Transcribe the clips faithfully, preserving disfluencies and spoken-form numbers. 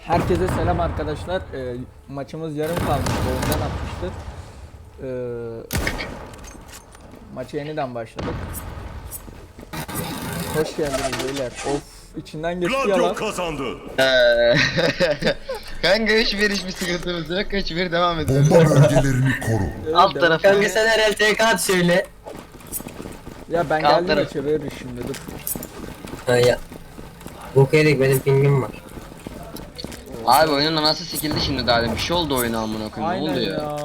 Herkese selam arkadaşlar. Ee, maçımız yarım kalmıştı. Oyundan atmıştık. Ee, maça yeniden başladık. Hoş geldiniz beyler. Of, içinden geçti ya Gladio lan. kazandı. Eee, Kanka hiçbir hiçbir sıkıntımız yok. Hiçbir devam ediyoruz. Bomba bölgelerini koru. Evet, Alt devam. tarafı. Kanka sen herhalde T K at şöyle. Ya ben Alt geldim taraf. maça veririz şimdi dur. Ha ya. Bok yedik, benim pingim var. Abi oyunun anası sikildi şimdi daha. Bir şey oldu oyuna amına koyayım. Ne Aynen oldu ya? ya.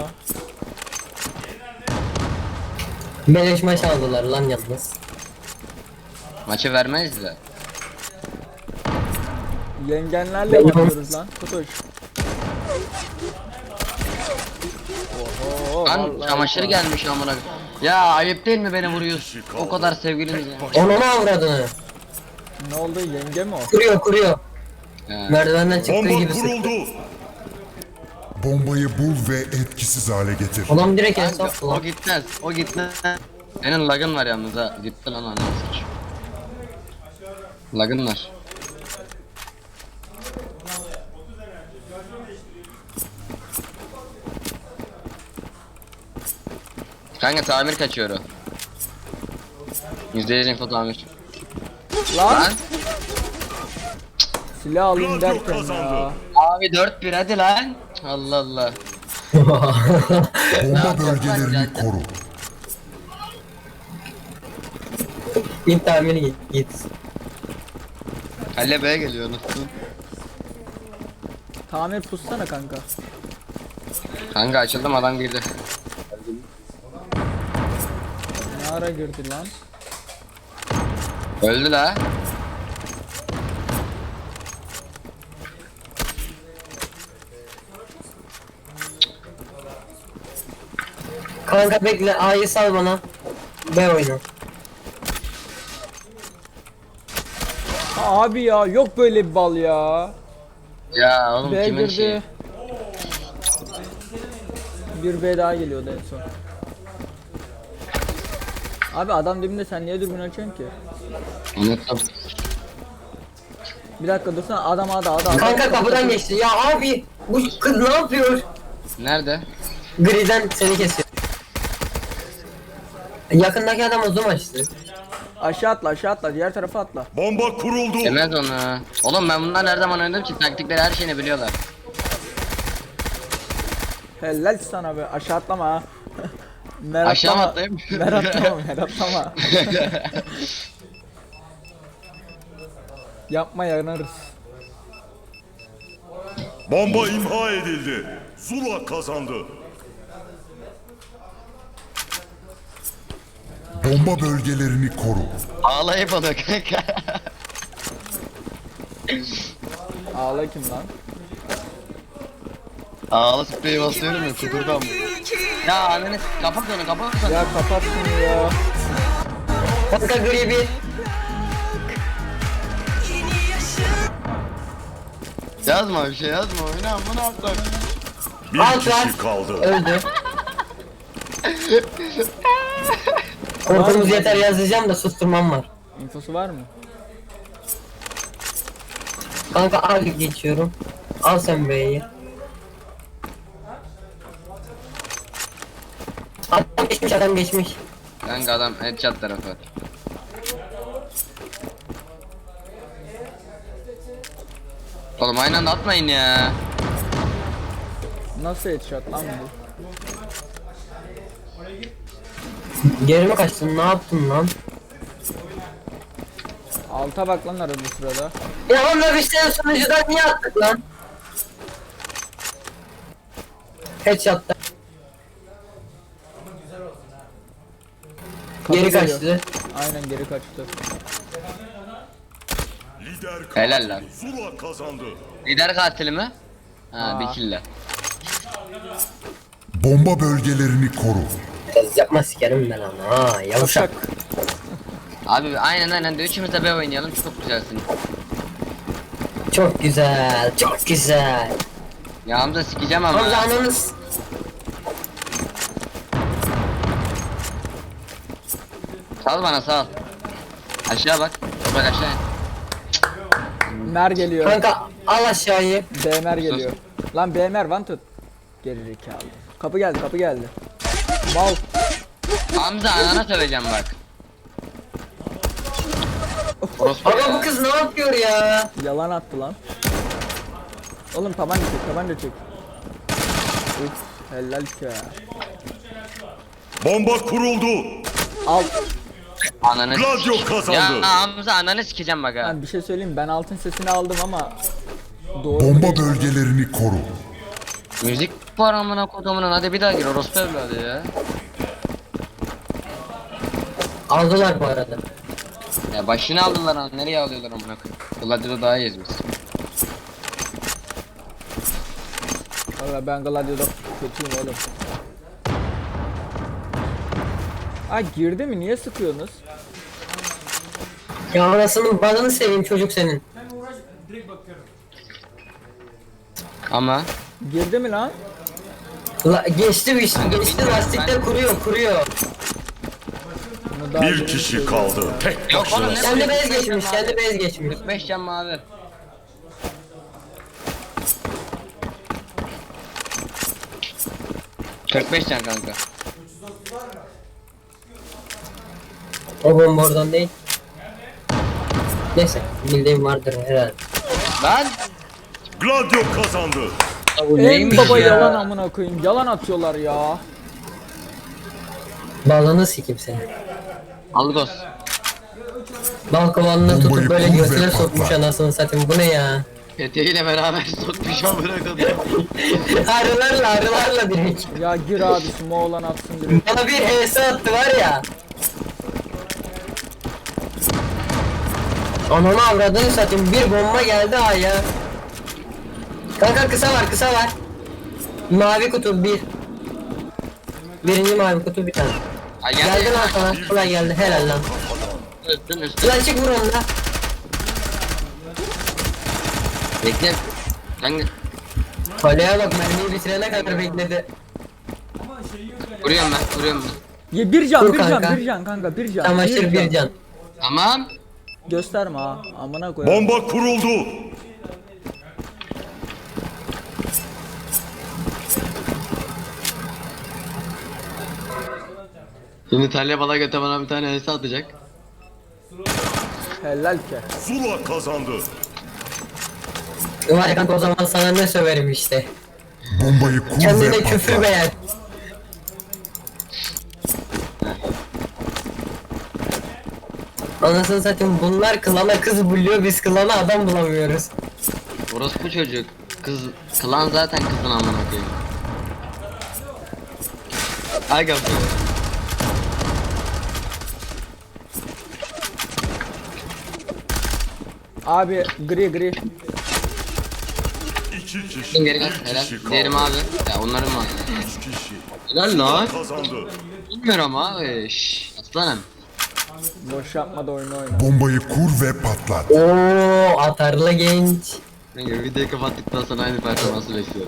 Beleş maç aldılar lan yalnız. Maçı vermez de. Yengenlerle Benim- oynuyoruz lan. Kutuş. Oho, Lan vallahi çamaşır ya. gelmiş amına koyayım. Ya ayıp değil mi beni vuruyorsun? O kadar sevgiliniz ya. Onu mu avradını? Ne oldu, yenge mi o? Kuruyor kuruyor. He. Merdivenden çıktığı Bomba gibi sıktı. kuruldu. Bombayı bul ve etkisiz hale getir. Adam direkt en Kanka, soktu o lan. gitmez. O gitmez. Senin lagın var yalnız ha. Gitti lan anasını sıç. Lagın var. Kanka tamir kaçıyor o. yüzde yüz info tamir. Lan Lan silah alayım Gladio derken kazandı. ya. abi dört bir hadi lan. Allah Allah. Bomba bölgelerini koru. Git tamiri git git. Halle B'ye geliyor nasıl? Tamir pussana kanka. Kanka açıldım adam girdi. Ne ara girdi lan? Öldü la. Kanka bekle, A'yı sal bana. B oyna. Abi ya, yok böyle bir bal ya. Ya oğlum B kimin girdi. şeyi? Bir B daha geliyordu en son. Abi adam dibinde, sen niye dürbün açıyorsun ki? Unuttum. Bir dakika dursana, adam ada ada ada. Kanka kapıdan geçti. Ya abi bu kız ne yapıyor? Nerede? Griden seni kesiyor. Yakındaki adam uzun açtı. Aşağı atla, aşağı atla, diğer tarafa atla. Bomba kuruldu. Demez onu. Oğlum ben bunlar her zaman oynadım ki taktikleri her şeyini biliyorlar. Helal sana be, aşağı atlama ha. Mer Aşağı mı atlama. atlayayım? Mer atlama, mer atlama. Yapma, yanarız. Bomba imha edildi. Zula kazandı. Bomba bölgelerini koru. Ağlayıp onu kanka. Ağla kim lan? Ağla spreyi basıyorum ya kudurdan bu. Ya anneniz kapat onu kapat onu. Ya kapat şunu ya. Kanka gri bir. Yazma bir şey yazma oyna bunu atlar. Bir Al kişi lan. kaldı. Öldü. Korkumuz yeter yazacağım da susturmam var. İnfosu var mı? Kanka al geçiyorum. Al sen B'yi. Adam geçmiş, adam geçmiş. Kanka adam headshot tarafı. Oğlum aynı anda atmayın ya. Nasıl headshot lan bu? Geri mi kaçtın, ne yaptın lan? Alta bak lan arada sırada. Ya onlar işte sunucudan niye attık lan? Headshot'ta. Kapı Geri geliyor. kaçtı. Aynen, geri kaçtı. Lider kaldı. Helal lan. Zula kazandı. Lider katili mi? Ha Aa. bir kille. Bomba bölgelerini koru. Kız yapma sikerim ben ama ha yavuşak. Şak. Abi aynen aynen de üçümüz de B oynayalım çok güzelsin. Çok güzel, çok güzel. Ya Hamza sikeceğim ama. Hamza ananız. Sal bana sal. Aşağı bak. Bak aşağı. Mer geliyor. Kanka Al aşağıyı. B M R geliyor. Lan B M R one tut. Geri zekalı. Kapı geldi, kapı geldi. Mal. Hamza anana söveceğim bak. Orospu Ama ya. bu kız ne yapıyor ya? Yalan attı lan. Oğlum tabanca çek, tabanca çek. Uf, helal ki. Bomba kuruldu. Al. Ananı Gladio sik- kazandı. Ya Hamza ananı sikeceğim bak ha. Ben bir şey söyleyeyim, ben altın sesini aldım ama doğru Bomba mu? bölgelerini koru. Müzik var amına kodumunun, hadi bir daha gir orospu evladı ya. Aldılar bu arada. Ya başını aldılar ha, nereye alıyorlar amına koyayım. Gladio'da daha iyiyiz biz. Valla ben Gladio'da kötüyüm oğlum. Aa girdi mi? Niye sıkıyorsunuz? Ya anasının balını seveyim çocuk senin. Ama Girdi mi lan? La, geçti bir işte, Kanka, geçti bilmiyorum, lastikte ben- kuruyor kuruyor. Bunu daha Bir demin kişi söyledim. kaldı. Tek Yok oğlum, başına. ne- Kendi bez geçmiş, kendi bez geçmiş. kırk beş can mavi. kırk beş can kanka. O bomba oradan değil. Neyse, bildiğim vardır herhalde. Lan Gladio kazandı. bu En baba yalan amına koyayım. Yalan atıyorlar ya. Balını sikim seni. Algos. Bal kovanını tutup Bombayı böyle kur ve götüne patlat. sokmuş anasını satayım, bu ne ya? Peteğiyle beraber sokmuş amına koyayım. Arılarla arılarla direkt. Ya gir abi şu Moğlan atsın direkt. Bana bir H S attı var ya. Ananı avradını satayım, bir bomba geldi ha ya. Kanka kısa var, kısa var. Mavi kutu bir. Birinci mavi kutu bir tane. Ay Geldi lan sana, kolay geldi, helal lan. Üstün üstün. Lan çık vur onu da. Bekle. Kanka Kaleye bak, mermiyi bitirene kadar bekledi. vuruyorum ben vuruyorum ben. Ya bir can, Dur bir can, kanka. bir can kanka, bir can. Çamaşır bir can. Tamam. Gösterme ha. Amına koyayım. Bomba kuruldu. Şimdi Talya bala göte bana bir tane hesa atacak. Helal ki. Zula kazandı. Var ya kanka, o zaman sana ne söverim işte. Bombayı kur Kendine ve küfür patlat. beğen. Anasını satayım, bunlar klana kız buluyor, biz klana adam bulamıyoruz. Orospu çocuk. Kız klan zaten kızın amına koyayım. Aga be. Abi gri gri. İki kişi. Şimdi geri gel. Bir Helal. kişi Diğeri kaldı. mavi. Ya onların mavi. Üç kişi. Helal lan. Kazandı. Bilmiyorum abi. Şşş. Aslanım. Boş yapma da oyunu oyna. Bombayı kur ve patlat. Oo, atarlı genç. Kanka videoyu kapattıktan sonra aynı performansı bekliyorum.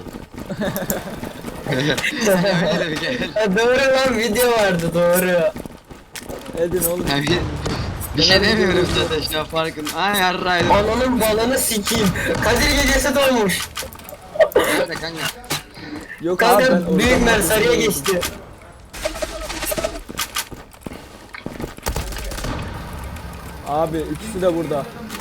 Öyle bir gel. Ha, doğru lan, video vardı, doğru. Edin oğlum. Ya bir, bir şey demiyorum zaten şu an farkın. Ay yarraydım. Ananın balını sikeyim. Kadir gecesi dolmuş. Nerede kanka? Yok abi ben Kanka büyük oradan mer sarıya bakıyorum. geçti. Abi ikisi de burada.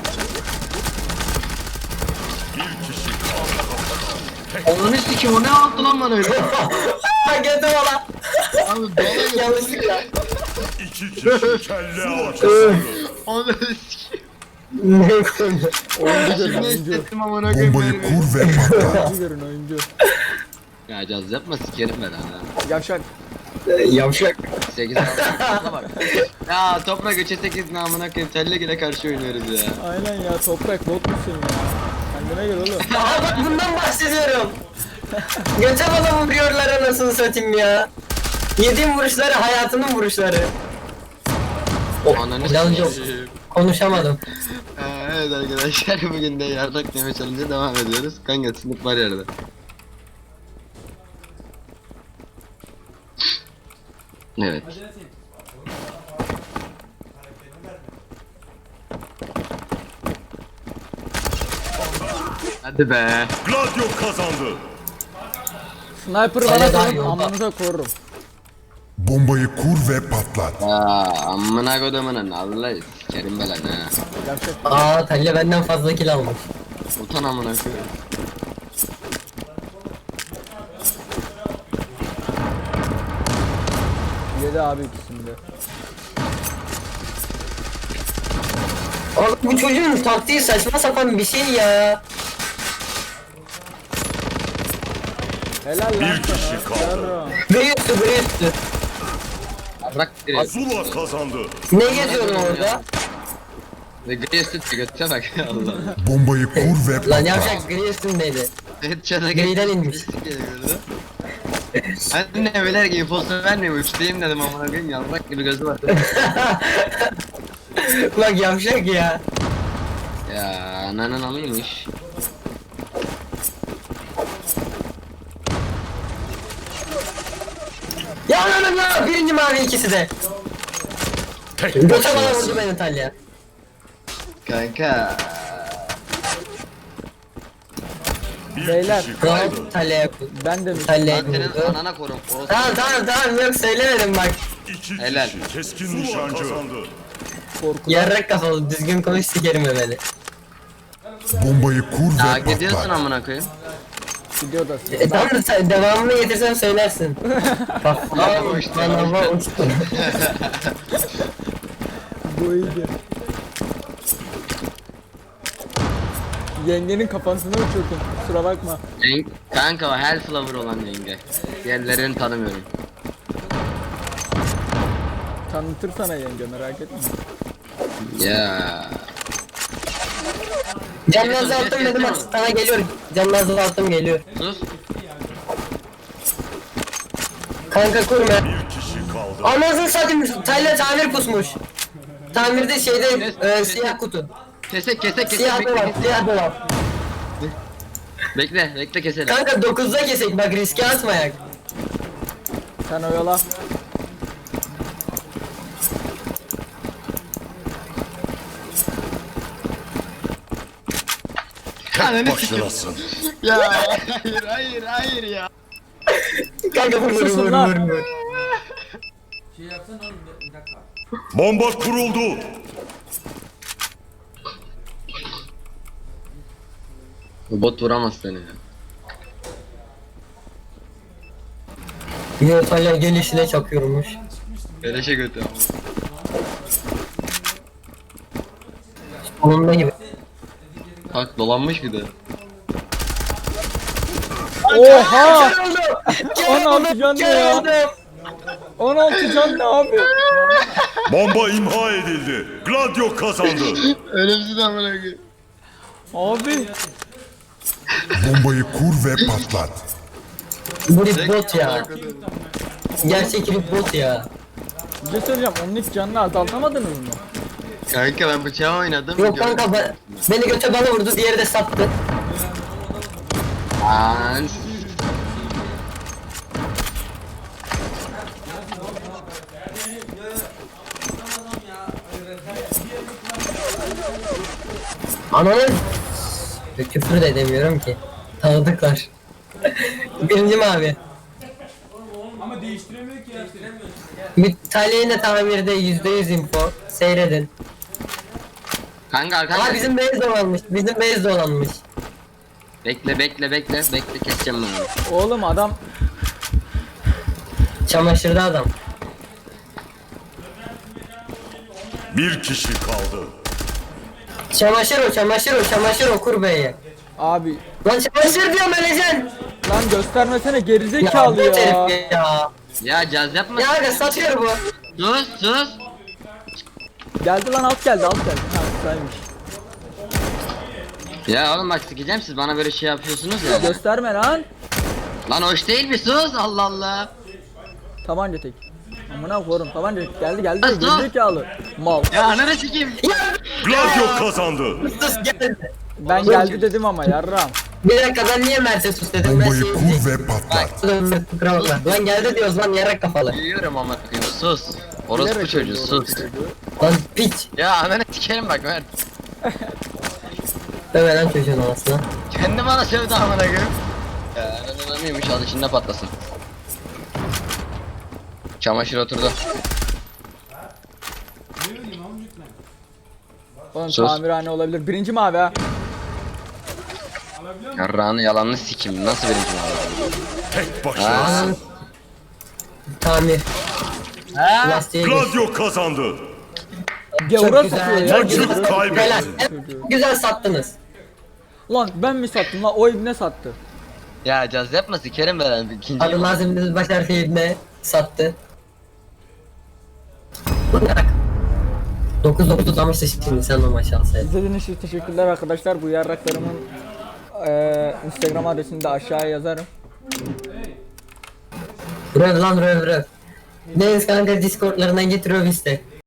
Onun sikim o ne yaptı lan bana öyle? Ha getir ola. Abi bana Yanlışlıkla. İki kişi kelle avcısı. Onu sikim. Ne konu? Oyuncu görün Ne oyuncu. hissettim amına koyayım Bombayı böyle. kur ve patlat. Oyuncu görün oyuncu. Ya caz yapma sikerim ben ha. Yavşak. Yavşak. sekiz bak. Ya toprak üçe sekiz namına koyayım. Telle gile karşı oynuyoruz ya. Aynen ya toprak bot musun ya? Kendine gel oğlum. Aha bak, bundan bahsediyorum. Göte bana vuruyorlar anasını satayım ya. Yediğim vuruşları hayatının vuruşları. Ananı Biraz yok. sikeyim. Konuşamadım. Ee, Evet arkadaşlar bugün de yarrak deme challenge'a devam ediyoruz. Kanka sınıf var yerde. Evet. Hadi be. Gladio kazandı. Sniper'ı Hala bana daha sorun, yolda. amanıza korurum. Bombayı kur ve patlat. Aa, amına kodumunun Allah sikerim belanı ha. Yapacak. Aa Talya benden fazla kill almış. Utan amına koyayım. Yedi abi ikisinde. Abi bu çocuğun taktiği saçma sapan bir şey ya. Helal lan Bir kişi sana. kaldı. Yarram. Biri üstü biri üstü. Bırak direkt. Zula kazandı. Ne geziyorsun orada? Ve gri üstü götüne bak Allah. Bombayı kur ve Lan patlat. yavşak gri üstündeydi. Headshot'a Griden inmiş. Ben ne beyler ki infosu vermiyor uçtayım dedim amına koyayım yavrak gibi gözü var. Bak yavşak ya. Ya ananın alıymış. Ya lan ya birinci mavi ikisi de. Tek Göte bana başınasın. vurdu beni Talya. Kanka. Bir Beyler. kişi kaldı. Rahat Talya'ya Ben de mi? Talya'ya Ben senin vurdu. anana korum. Orası. Tamam tamam tamam yok söylemedim bak. İki Helal. kişi keskin nişancı kazandı. Korku. Yarrak kafalı düzgün konuş sikerim beni. Bombayı kur Ya ve gidiyorsun patlat. amına koyayım. Gidiyor da. E tamam da sen devamını getirsem söylersin. Bak Ya, abi uçtu, bana uçtu. hava uçtu. Bu iyiydi. Yengenin kafasını uçurdum. Kusura bakma. Yeng- Kanka o Hellflower olan yenge. Diğerlerini tanımıyorum. Tanıtır sana yenge, merak etme. Ya. Canını azalttım dedim bak sana geliyor. Canını azalttım geliyor. Sus. Kanka kurma. Bir kişi kaldı. Anasını satayım Talya tamir pusmuş. Tamirde şeyde e, siyah kutu. Kesek kesek kesek. Siyah Bekle, dolap bekle. siyah dolap. bekle bekle keselim. Kanka dokuzda kesek bak riske atmayak. Sen oyala. Tek başınasın. Ya hayır hayır hayır ya. Kanka vur vur Susun vur lan. vur vur. Bomba kuruldu. Bu bot vuramaz seni ya. Yo Talya gelişine çakıyormuş. Beleşe götü ama. Onunla gibi. Bak dolanmış bir de. Oha! Kör oldu. on altı can ne Kör ya? oldu. on altı can ne abi? Bomba imha edildi. Gladio kazandı. Ölümsüz amına koyayım. Abi. Bombayı kur ve patlat. Bu bir bot ya. Gerçek bir bot ya. Bir şey söyleyeceğim. Onun hiç canını azaltamadınız mı? Kanka ben bıçağı oynadım. Yok kanka ben, beni göte bana vurdu diğeri de sattı. An. Ananı küfür de edemiyorum ki. Tanıdıklar. Birinci mavi. Ama değiştiremiyor ki ya. Bir Talya yine tamirde yüzde yüz info. Seyredin. Kanka Aa arkadaşlar. bizim base dolanmış. Bizim base dolanmış. Bekle bekle bekle bekle keseceğim ben onu. Oğlum adam Çamaşırda adam. Bir kişi kaldı. Çamaşır o çamaşır o çamaşır o kur beyi. abi Lan çamaşır diyorum öleceksin. lan göstermesene Ya gerizekalı bu ya. herif ya. Ya caz yapma. Ya aga satıyor bu. Sus sus. Geldi lan alt geldi alt geldi. Ha güzelmiş. Ya oğlum bak sikeceğim siz bana böyle şey yapıyorsunuz ya. Gösterme lan. Lan hoş değil mi sus Allah Allah. Tabanca tek. Amına koyarım tabanca tek. Geldi geldi Lan dur. gerizekalı. Mal. Ya ananı sikeyim. Ya Gladio kazandı. sus geldi. Ben geldi dedim ama yarram. Bir dakika ben niye Mercedes sus dedim ben Bombayı şey kur ve patlat. Kusura bakma. Lan geldi diyoruz lan yarak kafalı. Duyuyorum ama koyayım sus. Orospu Bilerek çocuğu oldu sus. orospu çocuğu. Lan piç. Ya ananı sikerim bak Mert. Deme lan çocuğun anasına. Kendi bana sövdü amına koyayım. Ya ananı mıymış al içinde patlasın. Çamaşır oturdu. Ne bileyim amcık lan. Oğlum Sus. tamirhane olabilir. Birinci mavi ha. Alabiliyor musun? Yarrağını yalanını sikim. Nasıl birinci abi? Tek başına. Ha? Tamir. Ha? Lastiğe gir. Gladio kazandı. Gavura güzel. satıyor ya. Maçı Helal. kaybetti. Güzel sattınız. Lan ben mi sattım lan? O ibne sattı. Ya caz yapma sikerim ben ikinci. Adı lazım biz baş harfiyle sattı. dokuz dokuz uzamıştı şimdi sen o maçı alsaydın. İzlediğiniz için teşekkürler arkadaşlar. Bu yarraklarımın eee Instagram adresini de aşağıya yazarım. Röv lan röv röv. Deniz kanka Discord'larına git röv iste.